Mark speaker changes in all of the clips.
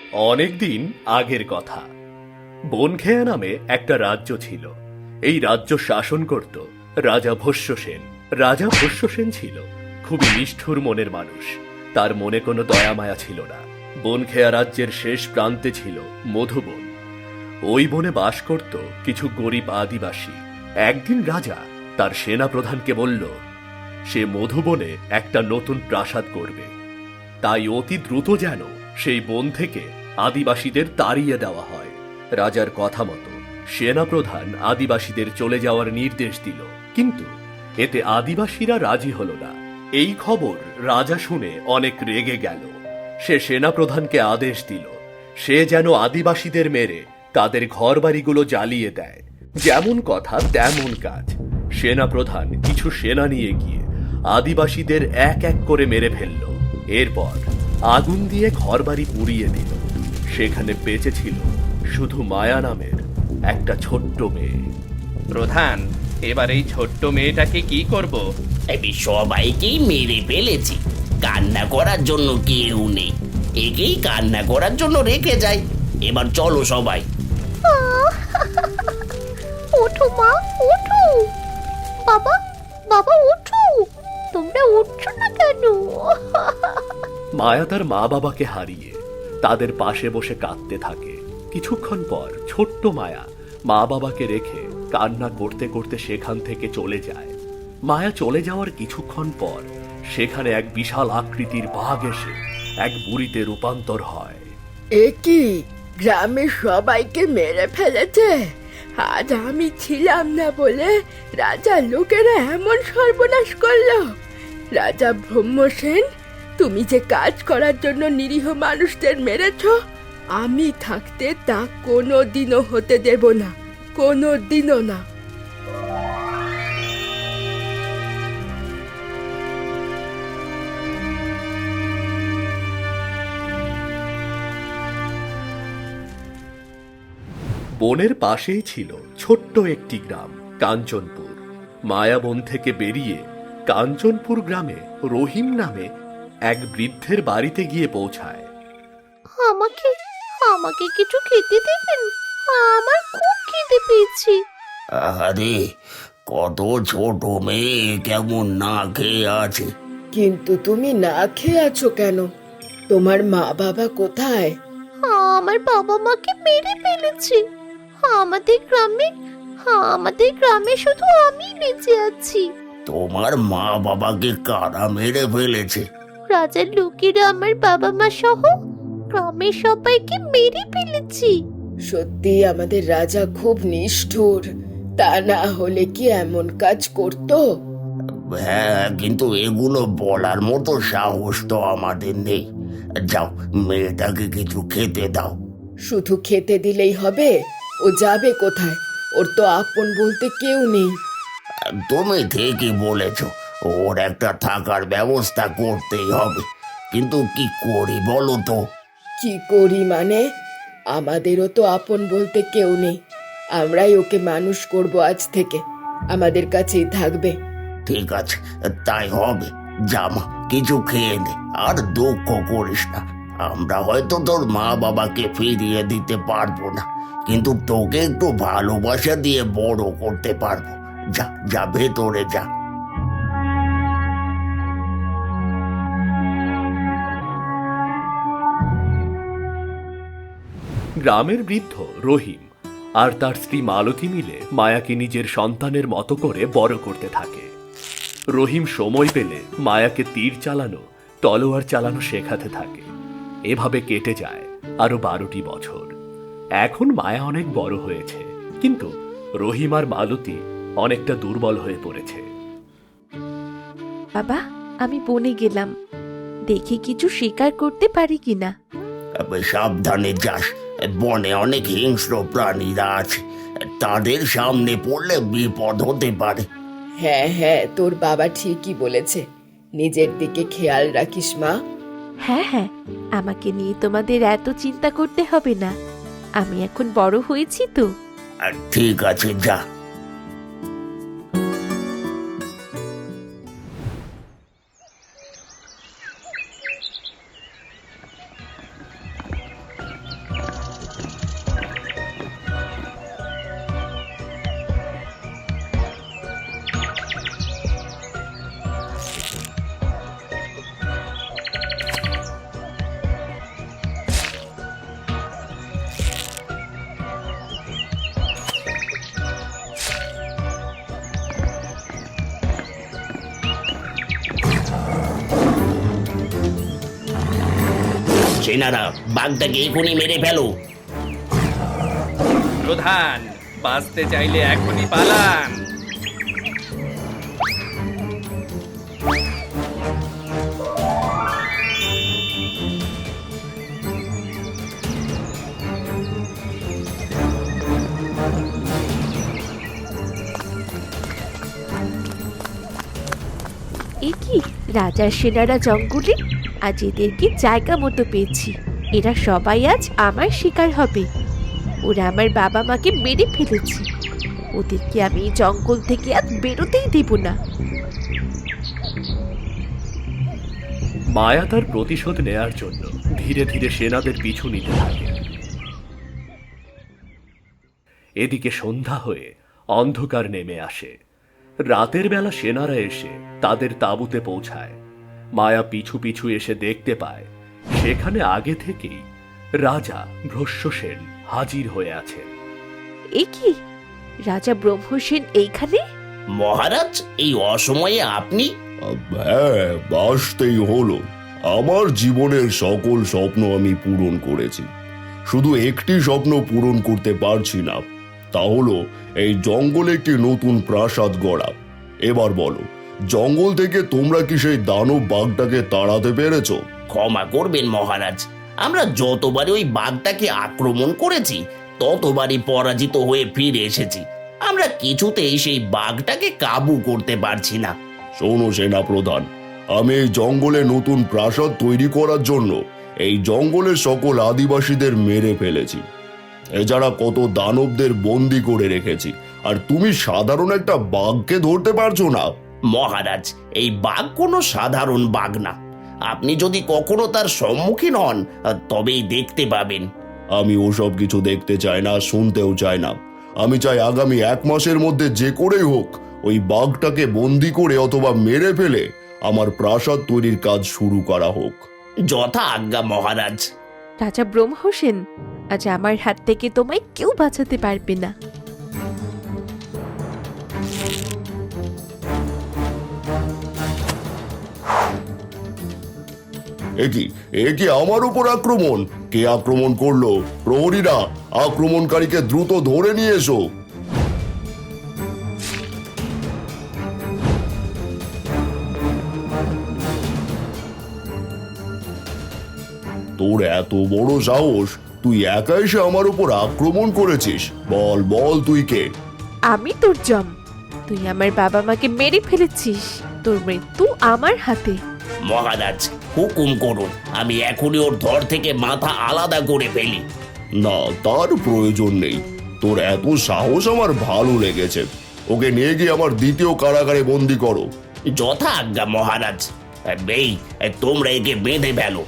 Speaker 1: অনেকদিন আগের কথা। বনখেয়া নামে একটা রাজ্য ছিল। এই রাজ্য শাসন করত রাজা ভস্য সেন। রাজা ভস্য সেন ছিল খুবই নিষ্ঠুর মনের মানুষ। তার মনে কোনো দয়া মায়া ছিল না। বনখেয়া রাজ্যের শেষ প্রান্তে ছিল মধুবন। ওই বনে বাস করত কিছু গরিব আদিবাসী। একদিন রাজা তার সেনা প্রধানকে বলল সে মধুবনে একটা নতুন প্রাসাদ করবে, তাই অতি দ্রুত যেন সেই বন থেকে আদিবাসীদের তাড়িয়ে দেওয়া হয়। রাজার কথা মতো সেনাপ্রধান আদিবাসীদের চলে যাওয়ার নির্দেশ দিল, কিন্তু এতে আদিবাসীরা রাজি হল না। এই খবর রাজা শুনে অনেক রেগে গেল। সে সেনাপ্রধানকে আদেশ দিল সে যেন আদিবাসীদের মেরে তাদের ঘরবাড়িগুলো জ্বালিয়ে দেয়। যেমন কথা তেমন কাজ। সেনাপ্রধান কিছু সেনা নিয়ে গিয়ে আদিবাসীদের এক এক করে মেরে ফেলল। এরপর আগুন দিয়ে ঘরবাড়ি পুড়িয়ে দিল। সেখানে বেঁচে ছিল শুধু মায়া নামের একটা ছোট্ট মেয়ে।
Speaker 2: প্রধান, এবার এই ছোট্ট মেয়েটাকে কি করব?
Speaker 3: আমি সবাইকেই মেরে ফেলেছি, কান্না করার জন্য কেউ নেই। একেই কান্না করার জন্য রেখে যাই। এবার চলো সবাই।
Speaker 4: ওঠো মা, ওঠো। বাবা, বাবা ওঠো। তোমরা উঠছো না কেন?
Speaker 1: মায়া তার মা বাবাকে হারিয়ে তাদের পাশে বসে কাঁদতে থাকে। কিছুক্ষণ পর ছোট্ট মায়া মা বাবাকে রেখে কান্না করতে করতে সেখান থেকে চলে যায়। মায়া চলে যাওয়ার কিছুক্ষণ পর সেখানে এক বিশাল আকৃতির বাঘ এসে এক বুড়িতে রূপান্তর হয়।
Speaker 5: এ কি, গ্রামের সবাইকে মেরে ফেলেছে? আজ আমি ছিলাম না বলে রাজার লোকেরা এমন সর্বনাশ করলো। রাজা ব্রহ্মসেন, তুমি যে কাজ করার জন্য নিরীহ মানুষদের মেরেছ, আমি থাকতে তা কোনো দিনও হতে দেব না, কোনো দিনও না।
Speaker 1: বনের পাশেই ছিল ছোট্ট একটি গ্রাম, কাঞ্চনপুর। মায়াবন থেকে বেরিয়ে কাঞ্চনপুর গ্রামে রহিম নামে এক বৃদ্ধের বাড়িতে গিয়ে পৌঁছায়।
Speaker 4: আমাকে আমাকে কিছু খেতে দেবেন? আমার খুব খিদে পেয়েছে।
Speaker 3: আরে, কত ছোট মেয়ে কেমন না খেয়ে আছে।
Speaker 5: কিন্তু তুমি না খেয়ে আছো কেন? তোমার মা বাবা কোথায়?
Speaker 4: আমার বাবা মাকে মেরে ফেলেছে। আমাদের গ্রামে শুধু আমি বেঁচে আছি।
Speaker 3: তোমার মা বাবাকে কারা মেরে ফেলেছে?
Speaker 4: রাজার লোকেরা আমার বাবা মা সহ গ্রামের সবাইকে মেরে ফেলেছি।
Speaker 5: সত্যি আমাদের রাজা খুব নিষ্ঠুর। তা না হলে কি এমন কাজ করতো?
Speaker 3: হ্যাঁ, কিন্তু এগুলো বলার মতো সাহস তো আমাদের নেই। যাও, মেয়েটাকে কিছু খেতে দাও।
Speaker 5: শুধু খেতে দিলেই হবে? ও যাবে কোথায়? ওর তো আপন বলতে কেউ নেই।
Speaker 3: তুমি ঠিকই বলেছ, ওর একটা থাকার ব্যবস্থা করতেই হবে। কিন্তু কি করি বলো তো?
Speaker 5: কি করি মানে? আমাদেরও তো আপন বলতে কেউ নেই। আমরাই ওকে মানুষ করব আজ থেকে। আমাদের কাছেই থাকবে।
Speaker 3: ঠিক আছে, তাই হবে। জামা, কিছু খেয়ে নে, আর দুঃখ করিস না। আমরা হয়তো তোর মা বাবাকে ফিরিয়ে দিতে পারবো না, কিন্তু তোকে একটু ভালোবাসা দিয়ে বড় করতে পারবো। যা যা, ভেতরে যা।
Speaker 1: গ্রামের বৃদ্ধ রহিম আর তার স্ত্রী মালতী মিলে মায়াকে নিজের সন্তানের মতো করে বড় করতে থাকে। রহিম সময় পেলে মায়াকে তীর চালানো, তলোয়ার চালানো শেখাতে থাকে। এভাবে কেটে যায় আরো 12টি বছর। এখন মায়া অনেক বড় হয়েছে, কিন্তু রহিম আর মালতী অনেকটা দুর্বল হয়ে পড়েছে।
Speaker 6: বাবা, আমি বনে গেলাম, দেখি কিছু শিকার করতে পারি কিনা।
Speaker 3: সাবধানে যাস, বনে অনেক হিংস্র প্রাণীরা আছে, তাদের সামনে পড়লে বিপদ হতে পারে।
Speaker 5: হ্যাঁ হ্যাঁ, তোর বাবা ঠিকই বলেছে। নিজের দিকে খেয়াল রাখিস মা।
Speaker 6: হ্যাঁ হ্যাঁ, আমাকে নিয়ে তোমাদের এত চিন্তা করতে হবে না। আমি এখন বড় হয়েছি তো।
Speaker 3: ঠিক আছে, যা। সেনারা, বাঘটাকে এখনই মেরে ফেলো।
Speaker 2: প্রধান, বাঁচতে চাইলে এখনই পালান।
Speaker 6: এ কি, রাজার সেনারা জঙ্গলে? আজ এদেরকে জায়গা মতো পেয়েছি। এরা সবাই আজ আমার শিকার হবে। ওরা আমার বাবা মাকে মেরে ফেলেছে। ওদেরকে আমি এই জঙ্গল থেকে আজ বেরোতেই দেব না।
Speaker 1: মায়া তার প্রতিশোধ নেয়ার জন্য ধীরে ধীরে সেনাদের পিছু নিতে থাকে। এদিকে সন্ধ্যা হয়ে অন্ধকার নেমে আসে। রাতের বেলা সেনারা এসে তাদের তাঁবুতে পৌঁছায়। মায়া পিছু পিছু এসে দেখতে পায় সেখানে আগে থেকেই রাজা ভ্রষ্যসেন হাজির হয়ে আছেন।
Speaker 6: এ কি, রাজা ব্রহ্মসেন এইখানে?
Speaker 3: মহারাজ, এই অসময়ে আপনি?
Speaker 7: হ্যাঁ, বাসতেই হলো। আমার জীবনের সকল স্বপ্ন আমি পূরণ করেছি, শুধু একটি স্বপ্ন পূরণ করতে পারছি না। তা হলো এই জঙ্গলে একটি নতুন প্রাসাদ গড়া। এবার বলো, জঙ্গল থেকে তোমরা কি সেই দানব বাঘটাকে তাড়াতে পেরেছো?
Speaker 3: ক্ষমা করবেন মহারাজ, আমরা যতবারই ওই বাঘটাকে আক্রমণ করেছি ততবারই পরাজিত হয়ে ফিরে এসেছি। আমরা কিছুতেই সেই বাঘটাকে কাবু করতে পারছি না।
Speaker 7: শোনো সেনা প্রধান, আমি এই জঙ্গলে নতুন প্রাসাদ তৈরি করার জন্য এই জঙ্গলের সকল আদিবাসীদের মেরে ফেলেছি। এছাড়া কত দানবদের বন্দি করে রেখেছি, আর তুমি সাধারণ একটা বাঘকে ধরতে পারছো না?
Speaker 3: মহারাজ, এই বাঘ কোনো সাধারণ বাঘ না। আপনি যদি কখনো তার সম্মুখীন হন তবেই দেখতে পাবেন।
Speaker 7: আমি ওসব কিছু দেখতে চাই না, শুনতেও চাই না। আমি চাই আগামী 1 মাসের মধ্যে যে করেই হোক ওই বাঘটাকে বন্দি করে অথবা মেরে ফেলে আমার প্রাসাদ তৈরির কাজ শুরু করা হোক।
Speaker 3: যথা আজ্ঞা মহারাজ।
Speaker 6: রাজা ব্রহ্মসেন, আজ আমার হাত থেকে তোমায় কেউ বাঁচাতে পারবে না।
Speaker 7: এ কি আমার উপর আক্রমণ? কে আক্রমণ করলো? প্রহরীরা, আক্রমণকারীকে দ্রুত ধরে নিয়ে এসো। তোর এত বড় সাহস, তুই একা এসে আমার উপর আক্রমণ করেছিস? বল বল, তুই কে?
Speaker 6: আমি তোর জম। তুই আমার বাবা মাকে মেরে ফেলেছিস। তোর মৃত্যু আমার হাতে।
Speaker 3: মহারাজ, হুকুম করুন, আমি এখনই ওর ধর থেকে মাথা আলাদা করে ফেলি।
Speaker 7: না, তার প্রয়োজন নেই। তোর এত সাহস আমার ভালো লেগেছে। ওকে নিয়ে গিয়ে আমার দ্বিতীয় কারাগারে বন্দি করো।
Speaker 3: যথা আজ্ঞা মহারাজ। তোমরা একে বেঁধে ফেলো।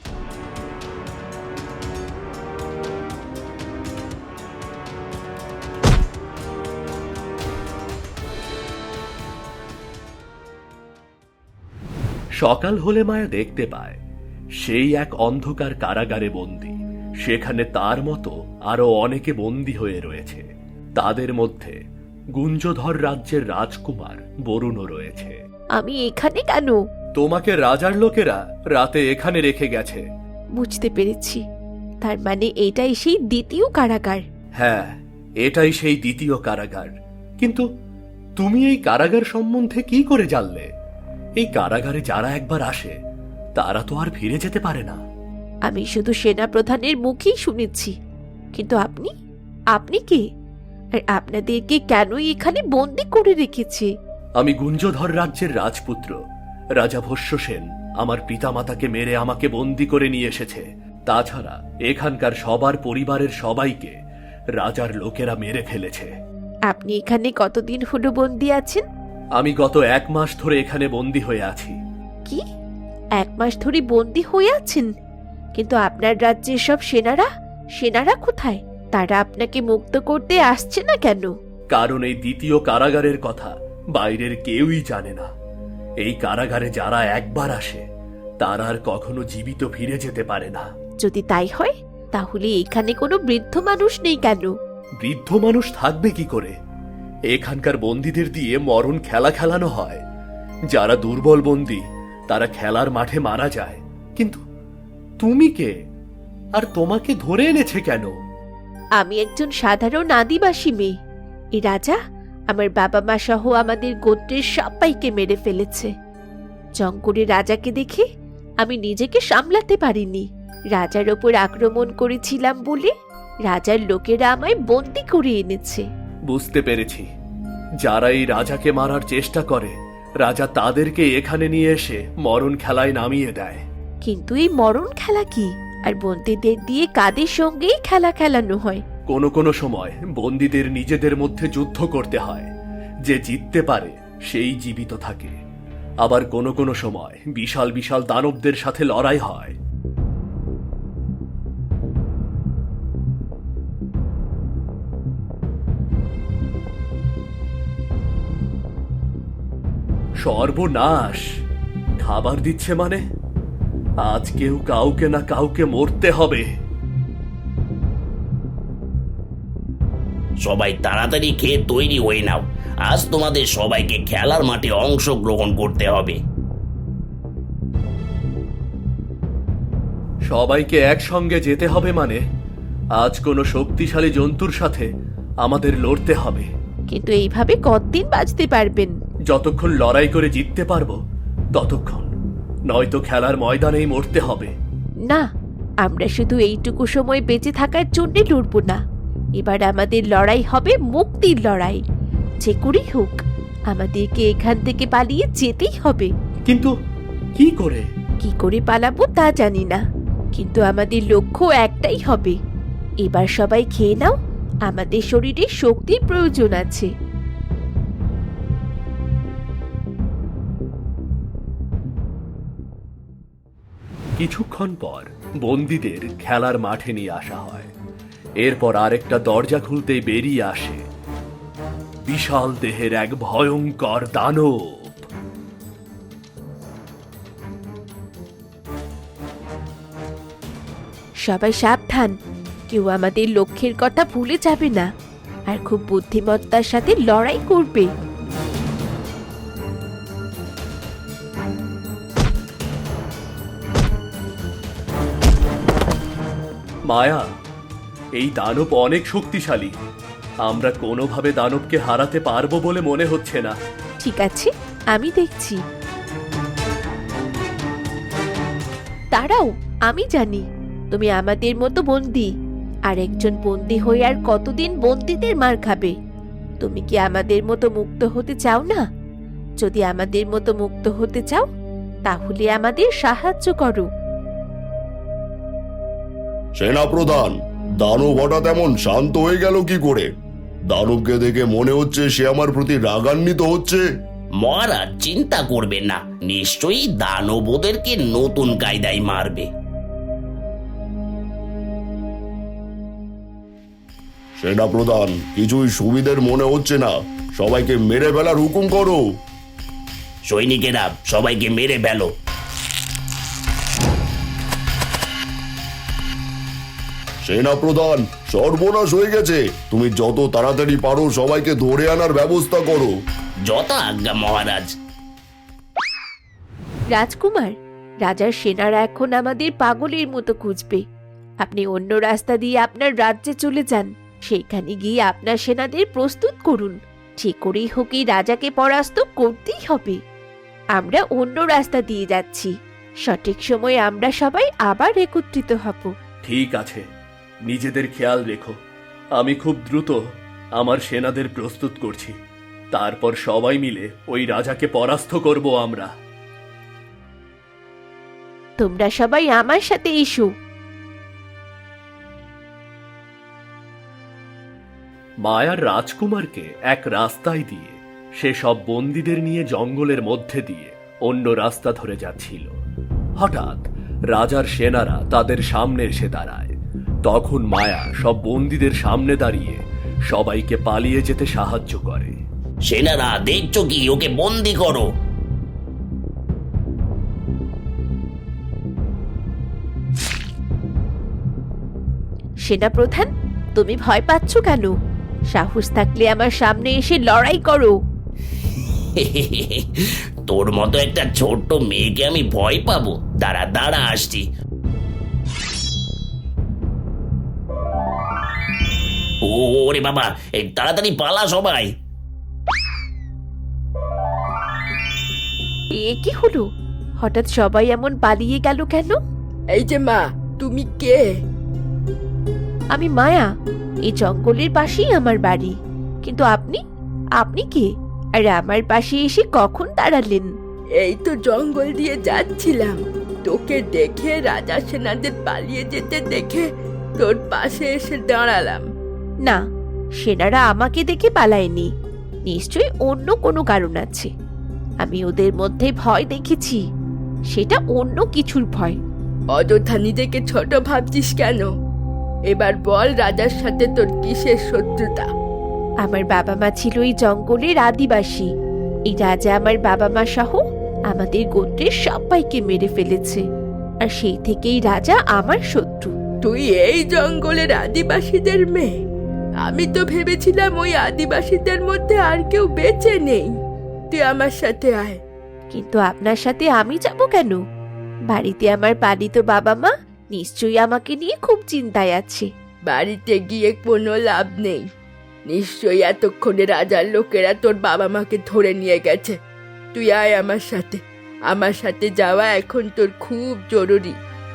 Speaker 1: সকাল হলে মায়া দেখতে পায় সেই এক অন্ধকার কারাগারে বন্দী। সেখানে তার মতো আরো অনেকে বন্দী হয়ে রয়েছে। তাদের মধ্যে গুঞ্জধর রাজ্যের রাজকুমার বরুণও রয়েছে।
Speaker 6: আমি এখানে কেন?
Speaker 1: তোমাকে রাজার লোকেরা রাতে এখানে রেখে গেছে।
Speaker 6: বুঝতে পেরেছি, তার মানে এটাই সেই দ্বিতীয় কারাগার।
Speaker 1: হ্যাঁ, এটাই সেই দ্বিতীয় কারাগার। কিন্তু তুমি এই কারাগার সম্বন্ধে কি করে জানলে? এই কারাগারে যারা একবার আসে তারা তো আর ফিরে যেতে পারে না।
Speaker 6: আমি শুধু সেনা প্রধানের মুখেই শুনেছি। কিন্তু আপনি, আপনি কে? আর আপনাদেরকে কেনই এখানে বন্দি করে রেখেছে?
Speaker 1: আমি গুঞ্জধর রাজ্যের রাজপুত্র রাজা ভস্যসেন আমার পিতামাতাকে মেরে আমাকে বন্দি করে নিয়ে এসেছে। তাছাড়া এখানকার সবার পরিবারের সবাইকে রাজার লোকেরা মেরে ফেলেছে।
Speaker 6: আপনি এখানে কতদিন হলো বন্দি আছেন?
Speaker 1: আমি গত 1 মাস ধরে এখানে বন্দি হয়ে আছি।
Speaker 6: কি, 1 মাস ধরে বন্দি হয়ে আছেন? কিন্তু আপনার রাজ্যের সব সেনারা কোথায়? তারা আপনাকে মুক্ত করতে আসছে না কেন?
Speaker 1: কারণ এই দ্বিতীয় কারাগারের কথা বাইরের কেউই জানে না। এই কারাগারে যারা একবার আসে তারা আর কখনো জীবিত ফিরে যেতে পারে না।
Speaker 6: যদি তাই হয়, তাহলে এখানে কোনো বৃদ্ধ মানুষ নেই কেন?
Speaker 1: বৃদ্ধ মানুষ থাকবে কি করে? এখানকার বন্দীদের দিয়ে মরণ খেলা খেলানো হয়। যারা দুর্বল বন্দী তারা খেলার মাঠে মারা যায়। কিন্তু তুমি কে? আর তোমাকে ধরে এনেছে কেন?
Speaker 6: আমি একজন সাধারণ আদিবাসী মেয়ে। এই রাজা আমার বাবা মা সহ আমাদের গোত্রের সবাইকে মেরে ফেলেছে। জঙ্গলে রাজাকে দেখে আমি নিজেকে সামলাতে পারিনি। রাজার ওপর আক্রমণ করেছিলাম বলে রাজার লোকেরা আমায় বন্দি করে এনেছে।
Speaker 1: বুঝতে পেরেছি, যারা এই রাজাকে মারার চেষ্টা করে রাজা তাদেরকে এখানে নিয়ে এসে মরণ খেলায় নামিয়ে দেয়।
Speaker 6: কিন্তু এই মরণ খেলা কি? আর বন্দীদের দিয়ে কাদের সঙ্গেই খেলা খেলানো হয়?
Speaker 1: কোনো কোনো সময় বন্দীদের নিজেদের মধ্যে যুদ্ধ করতে হয়, যে জিততে পারে সেই জীবিত থাকে। আবার কোনো কোনো সময় বিশাল বিশাল দানবদের সাথে লড়াই হয়। সর্বনাশ! খাবার দিচ্ছে মানে আজকেও কাউকে না কাউকে মরতে হবে।
Speaker 3: সবাই তাড়াতাড়ি খেয়ে তৈরি হয়ে নাও, আজ তোমাদের সবাইকে খেলার মাঠে অংশগ্রহণ করতে হবে।
Speaker 1: সবাইকে একসঙ্গে যেতে হবে মানে আজ কোনো শক্তিশালী জন্তুর সাথে আমাদের লড়তে হবে।
Speaker 6: কিন্তু এইভাবে কতদিন বাঁচতে পারবেন?
Speaker 1: যতক্ষণ লড়াই করে জিততে পারবো ততক্ষণ, নয়তো খেলার ময়দানেই মরতে হবে।
Speaker 6: না, আমরা শুধু এইটুকু সময় বেঁচে থাকার জন্য লড়ব না। এবার আমাদের লড়াই হবে মুক্তির লড়াই। যে করেই হোক আমাদেরকে এখান থেকে পালিয়ে যেতেই হবে।
Speaker 1: কিন্তু কি করে?
Speaker 6: কি করে পালাবো তা জানি না, কিন্তু আমাদের লক্ষ্য একটাই হবে। এবার সবাই খেয়ে নাও, আমাদের শরীরে শক্তির প্রয়োজন আছে।
Speaker 1: কিছুক্ষণ পর বন্দীদের খেলার মাঠে নিয়ে আসা হয়। এরপর আরেকটা দরজা খুলতেই বেরিয়ে আসে বিশাল দেহের এক ভয়ঙ্কর দানব।
Speaker 6: সবাই সাবধান, কেউ আমাদের লক্ষ্যের কথা ভুলে যাবে না, আর খুব বুদ্ধিমত্তার সাথে লড়াই করবে।
Speaker 1: মায়া, এই দানব অনেক শক্তিশালী। আমরা কোনোভাবে দানবকে হারাতে পারবো বলে মনে হচ্ছে না।
Speaker 6: ঠিক আছে, আমি দেখছি। দাঁড়াও, আমি জানি তুমি আমাদের মতো বন্দি। আর একজন বন্দি হয়ে আর কতদিন বন্দীদের মার খাবে? তুমি কি আমাদের মতো মুক্ত হতে চাও না? যদি আমাদের মতো মুক্ত হতে চাও তাহলে আমাদের সাহায্য করো।
Speaker 7: সেনাপ্রধান, দানব হঠাৎ এমন শান্ত হয়ে গেল কি করে? দানবকে দেখে মনে হচ্ছে সে আমার প্রতি রাগান্বিত হচ্ছে।
Speaker 3: মহারাজ, চিন্তা করবেন না, নিশ্চয়ই দানব ওদেরকে নতুন কায়দায় মারবে।
Speaker 7: সেনাপ্রধান, কিছুই সুবিধের মনে হচ্ছে না। সবাইকে মেরে ফেলার হুকুম করো।
Speaker 3: সৈনিকেরা, সবাইকে মেরে ফেলো।
Speaker 7: সেনাপ্রধান, সর্বনাশ হয়ে গেছে। তুমি যত তাড়াতাড়ি পারো সবাইকে ধরে আনার ব্যবস্থা করো।
Speaker 3: যথা আজ্ঞা মহারাজ।
Speaker 6: রাজকুমার, রাজার সেনারা এখন আমাদের পাগলের মতো খুঁজবে। আপনি অন্য রাস্তা দিয়ে আপনার রাজ্যে চলে যান। সেখানে গিয়ে আপনার সেনাদের প্রস্তুত করুন। যে করেই হোক এই রাজাকে পরাস্ত করতেই হবে। আমরা অন্য রাস্তা দিয়ে যাচ্ছি। সঠিক সময়ে আমরা সবাই আবার একত্রিত হব।
Speaker 1: ঠিক আছে, নিজেদের খেয়াল রেখো। আমি খুব দ্রুত আমার সেনাদের প্রস্তুত করছি। তারপর সবাই মিলে ওই রাজাকে পরাস্ত করব আমরা।
Speaker 6: তোমরা সবাই আমার সাথে এসো।
Speaker 1: মায়ার রাজকুমারকে এক রাস্তায় দিয়ে সে সব বন্দীদের নিয়ে জঙ্গলের মধ্যে দিয়ে অন্য রাস্তা ধরে যাচ্ছিল। হঠাৎ রাজার সেনারা তাদের সামনে এসে দাঁড়ায়। তখন মায়া সব বন্দীদের সামনে দাঁড়িয়ে সবাইকে পালিয়ে যেতে সাহায্য করে।
Speaker 3: সেনারা, দেখছো কি? ওকে বন্দি করো।
Speaker 6: সেনাপ্রধান, তুমি ভয় পাচ্ছ কেন? সাহস থাকলে আমার সামনে এসে লড়াই করো।
Speaker 3: তোর মতো একটা ছোট্ট মেয়েকে আমি ভয় পাবো? দাঁড়া দাঁড়া, আসছি। ওরে বাবা, এই তাড়াতাড়ি পালা সবাই।
Speaker 6: এ কি হলো? হঠাৎ সবাই এমন পালিয়ে গেল কেন?
Speaker 5: এই যে মা, তুমি কে?
Speaker 6: আমি মায়া। এই জঙ্গলের পাশেই আমার বাড়ি। কিন্তু আপনি আপনি কে? আর আমার পাশে এসে কখন দাঁড়ালেন?
Speaker 5: এই তো জঙ্গল দিয়ে যাচ্ছিলাম, তোকে দেখে রাজা সেনাদের পালিয়ে যেতে দেখে তোর পাশে এসে দাঁড়ালাম।
Speaker 6: না, সেনারা আমাকে দেখে পালায়নি। নিশ্চয়ই অন্য কোনো কারণ আছে। আমি ওদের মধ্যে ভয় দেখেছি, সেটা অন্য কিছুর ভয়।
Speaker 5: অযথা নিজেকে ছোট ভাবছিস কেন? এবার বল, রাজার সাথে তোর কিসের শত্রুতা?
Speaker 6: আমার বাবা মা ছিল এই জঙ্গলের আদিবাসী। এই রাজা আমার বাবা মা সহ আমাদের গোত্রের সবাইকে মেরে ফেলেছে, আর সেই থেকেই রাজা আমার শত্রু।
Speaker 5: তুই এই জঙ্গলের আদিবাসীদের মেয়ে? আমি তো ভেবেছিলাম ওই আদিবাসীদের মধ্যে আর কেউ বেঁচে নেই। তুই আমার সাথে আয়।
Speaker 6: কিন্তু আপনার সাথে আমি যাব কেন? বাড়িতে আমার পালিত বাবা মা নিশ্চয়ই আমাকে নিয়ে খুব চিন্তায় আছে।
Speaker 5: বাড়িতে গিয়ে কোনো লাভ নেই। নিশ্চয়ই এতক্ষণে রাজার লোকেরা তোর বাবা মাকে ধরে নিয়ে গেছে। তুই আয় আমার সাথে। আমার সাথে যাওয়া এখন তোর খুব জরুরি।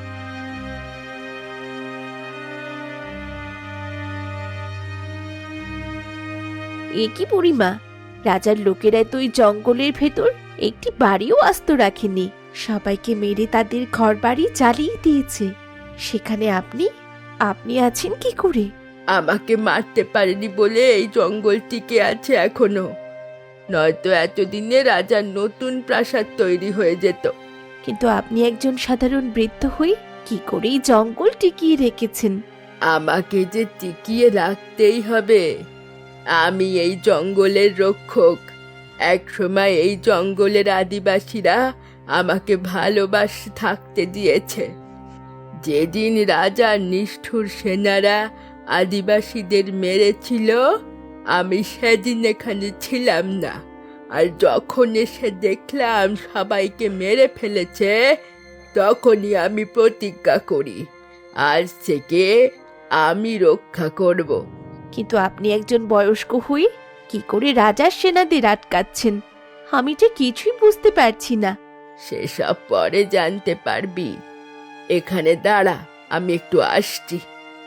Speaker 6: এ কি বুড়িমা, রাজার লোকেরা তো ওই জঙ্গলের ভেতর একটি বাড়িও আস্ত রাখেনি। সবাইকে মেরে তাদের ঘর বাড়ি জ্বালিয়ে দিয়েছে। সেখানে আপনি আপনি আছেন কি করে?
Speaker 5: আমাকে মারতে পারেনি বলে এই জঙ্গল টিকে আছে এখনো, নয়তো এতদিনে রাজার নতুন প্রাসাদ তৈরি হয়ে যেত।
Speaker 6: কিন্তু আপনি একজন সাধারণ বৃদ্ধ হয়ে কি করে এই জঙ্গল টিকিয়ে রেখেছেন?
Speaker 5: আমাকে যে টিকিয়ে রাখতেই হবে। আমি এই জঙ্গলের রক্ষক। একসময় এই জঙ্গলের আদিবাসীরা আমাকে ভালোবাসে থাকতে দিয়েছে। যেদিন রাজার নিষ্ঠুর সেনারা আদিবাসীদের মেরেছিল, আমি সেদিন এখানে ছিলাম না। আর যখন এসে দেখলাম সবাইকে মেরে ফেলেছে, তখনই আমি প্রতিজ্ঞা করি, আজ থেকে আমি রক্ষা করব।
Speaker 6: কিন্তু আপনি একজন বয়স্ক হয়ে কি করে রাজার সেনাদের আটকাচ্ছেন? আমি যে কিছুই বুঝতে পারছি না।
Speaker 5: সেসব পরে জানতে পারবি। এখানে দাঁড়া, আমি একটু আসছি।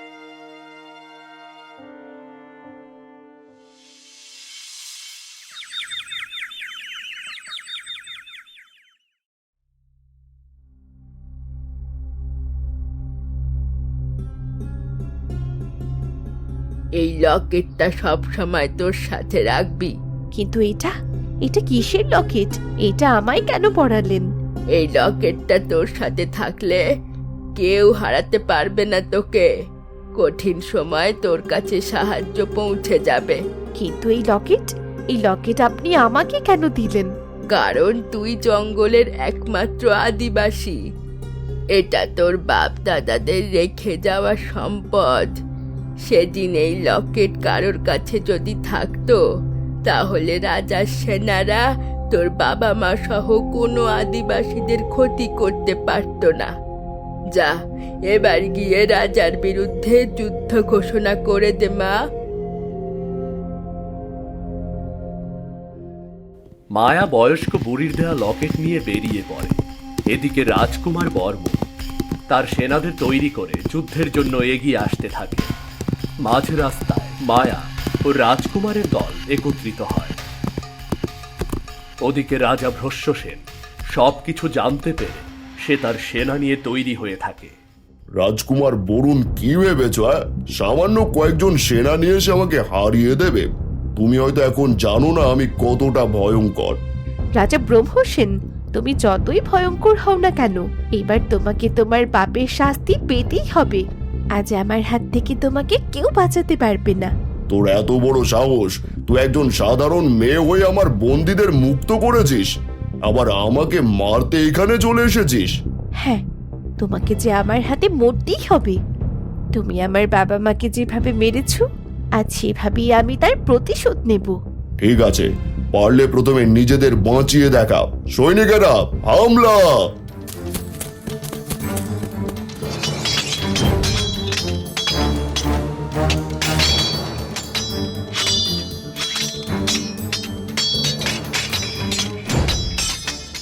Speaker 5: এই লকেটটা সব সময় তোর সাথে রাখবি।
Speaker 6: কিন্তু এটা এটা কিসের লকেট? এটা আমায় কেন পড়ালেন?
Speaker 5: এই লকেটটা তোর সাথে থাকলে কেউ হারাতে পারবে না তোকে। কঠিন সময় তোর কাছে সাহায্য পৌঁছে যাবে।
Speaker 6: কিন্তু এই লকেট আপনি আমাকে কেন দিলেন?
Speaker 5: কারণ তুই জঙ্গলের একমাত্র আদিবাসী। এটা তোর বাপ দাদাদের রেখে যাওয়া সম্পদ। সেদিন এই লকেট কারোর কাছে যদি থাকতো, তাহলে রাজার সেনারা তোর বাবা মা সহ কোনো আদিবাসীদের ক্ষতি করতে পারত না। যা, এবার গিয়ে রাজার বিরুদ্ধে যুদ্ধ ঘোষণা করে দে মা।
Speaker 1: মায়া বয়স্ক বুড়ির দেয়া লকেট নিয়ে বেরিয়ে পড়ে। এদিকে রাজকুমার বর্মন তার সেনাদের তৈরি করে যুদ্ধের জন্য এগিয়ে আসতে থাকে। মাঝ রাস্তায় মায়া ও রাজকুমারের দল একত্রিত হয়। ওদিকে রাজা ভ্রশ্যসেন সবকিছু জানতে পেরে সে তার সেনা নিয়ে তৈরি হয়ে থাকে।
Speaker 7: রাজকুমার বরুণ, কি ভেবেছ? সামান্য কয়েকজন সেনা নিয়ে এসে আমাকে হারিয়ে দেবে? তুমি হয়তো এখন জানো না আমি কতটা ভয়ঙ্কর।
Speaker 6: রাজা ব্রহ্মসেন, তুমি যতই ভয়ঙ্কর হও না কেন, এবার তোমাকে তোমার পাপের শাস্তি পেতেই হবে। আজ আমার হাত থেকে তোমাকে কেউ বাঁচাতে পারবে না।
Speaker 7: তোর এত বড় সাহস! তুই একজন সাধারণ মেয়ে হয়ে আমার বন্দীদের মুক্ত করেছিস, আবার আমাকে মারতে এখানে চলে এসেছিস।
Speaker 6: হ্যাঁ, তোমাকে যে আমার হাতে মরতেই হবে। তুমি আমার বাবা মাকে যেভাবে মেরেছো, আজ সেভাবেই আমি তার প্রতিশোধ নেব।
Speaker 7: ঠিক আছে, পারলে প্রথমে নিজেদের বাঁচিয়ে দেখা। সৈনিকেরা, হামলা!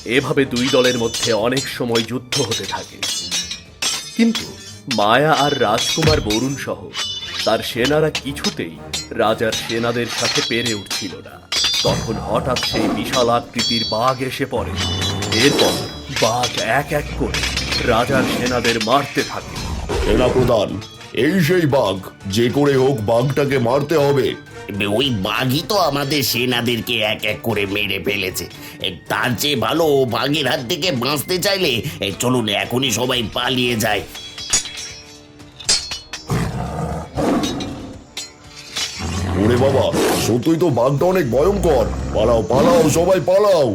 Speaker 1: এভাবে দুই দলের মধ্যে অনেক সময় যুদ্ধ হতে থাকে, কিন্তু মায়া আর রাজকুমার বরুণ সহ তার সেনারা কিছুতেই রাজার সেনাদের সাথে পেরে উঠছিল না। তখন হঠাৎ সেই বিশাল আকৃতির বাঘ এসে পড়ে। এরপর বাঘ এক এক করে রাজার সেনাদের মারতে থাকে।
Speaker 7: সেনাপ্রধান, এই সেই বাঘ, যে করে হোক বাঘটাকে মারতে হবে।
Speaker 3: ওই বাঘই তো আমাদের সেনাদেরকে এক এক করে মেরে ফেলেছে। তার চেয়ে ভালো বাঘের হাত থেকে বাঁচতে চাইলে চলুন এখনই সবাই পালিয়ে যায়।
Speaker 7: ওরে বাবা, সত্যই তো বাঘটা অনেক ভয়ঙ্কর। পালাও পালাও, সবাই পালাও।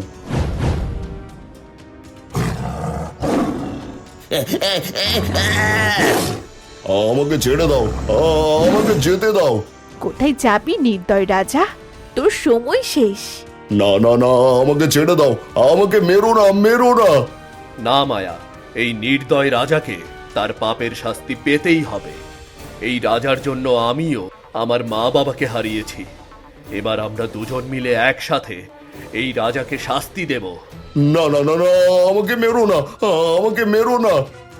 Speaker 7: আমাকে ছেড়ে দাও, আমাকে যেতে দাও।
Speaker 6: কোথায় যাবি নির্দয় রাজা? তোর সময় শেষ।
Speaker 7: না না না, আমাকে ছেড়ে দাও, আমাকে মেরো না, মেরো না।
Speaker 1: না মায়া, এই নির্দয় রাজাকে তার পাপের শাস্তি পেতেই হবে। এই রাজার জন্য আমিও আমার মা বাবাকে হারিয়েছি। এবার আমরা দুজন মিলে একসাথে এই রাজাকে শাস্তি দেব।
Speaker 7: না না না না, আমাকে মেরো না, আমাকে মেরো না।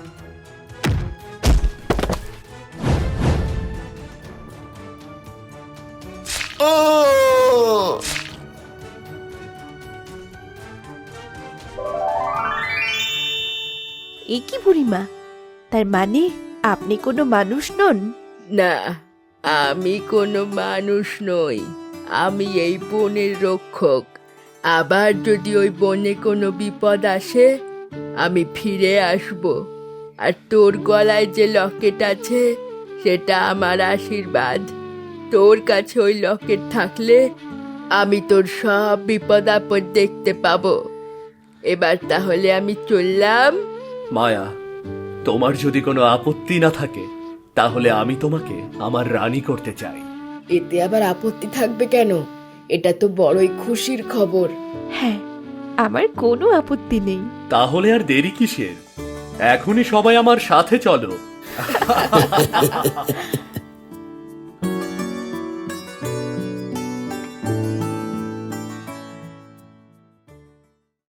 Speaker 6: এ কি বুড়িমা, তার মানে আপনি কোনো মানুষ নন?
Speaker 5: না, আমি কোনো মানুষ নই। আমি এই বনের রক্ষক। আবার যদি ওই বনে কোনো বিপদ আসে, আমি ফিরে আসব। আর তোর গলায় যে লকেট আছে, সেটা আমার আশীর্বাদ। তোর কাছে ওই লকেট থাকলে আমি তোর সব বিপদ আপদ দেখতে পাবো। এবার তাহলে আমি চললাম।
Speaker 1: মায়া, তোমার যদি কোনো আপত্তি না থাকে তাহলে আমি তোমাকে আমার রানী করতে চাই।
Speaker 5: এতে আবার আপত্তি থাকবে কেন? এটা তো বড়ই খুশির খবর।
Speaker 6: হ্যাঁ, আমার কোনো আপত্তি নেই।
Speaker 1: তাহলে আর দেরি কিসের? এখনই সবাই আমার সাথে চলো।